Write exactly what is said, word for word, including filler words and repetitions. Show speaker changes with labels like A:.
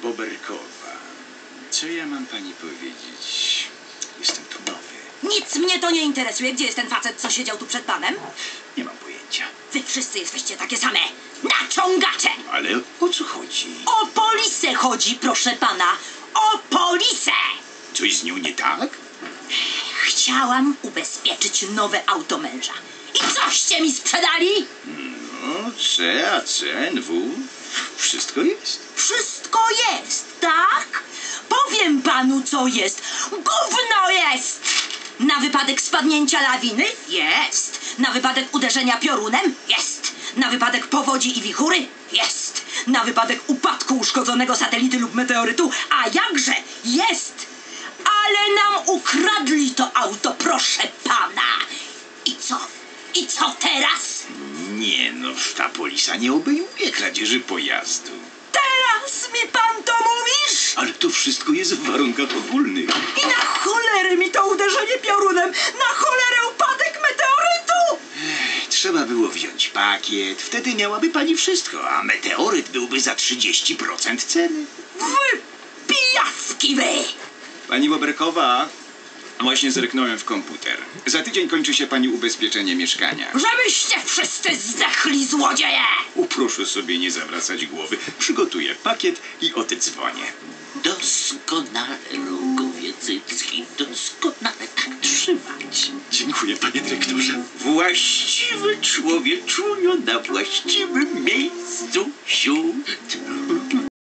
A: Boberkowa. Co ja mam pani powiedzieć? Jestem tu nowy.
B: Nic mnie to nie interesuje. Gdzie jest ten facet, co siedział tu przed panem?
A: Nie mam pojęcia.
B: Wy wszyscy jesteście takie same. Naciągacze!
A: Ale o co chodzi?
B: O polisę chodzi, proszę pana. O polisę!
A: Coś z nią nie tak?
B: Chciałam ubezpieczyć nowe auto męża. I coście mi sprzedali?
A: No, C, A C, N W. Wszystko jest.
B: Wszystko jest, tak? Powiem panu, co jest. Gówno jest! Na wypadek spadnięcia lawiny? Jest. Na wypadek uderzenia piorunem? Jest. Na wypadek powodzi i wichury? Jest. Na wypadek upadku uszkodzonego satelity lub meteorytu? A jakże? Jest. Ale nam ukradli to auto, proszę pana. I co? I co teraz?
A: Nie no, ta polisa nie obejmuje kradzieży pojazdu.
B: Teraz mi pan to mówisz?
A: Ale to wszystko jest w warunkach ogólnych.
B: I na cholerę mi to uderzenie piorunem! Na cholerę upadek meteorytu!
A: Trzeba było wziąć pakiet, wtedy miałaby pani wszystko, a meteoryt byłby za trzydzieści procent ceny.
B: Wy pijawki wy!
A: Pani Boberkowa, właśnie zerknąłem w komputer. Za tydzień kończy się pani ubezpieczenie mieszkania.
B: Żebyście wszyscy zdechli, złodzieje!
A: Uproszę sobie nie zawracać głowy. Przygotuję pakiet i oddzwonię.
C: Doskonale, Rogowie Cycki, doskonale tak trzymać.
A: Dziękuję, panie dyrektorze.
C: Właściwy człowieczunio na właściwym miejscu, siód.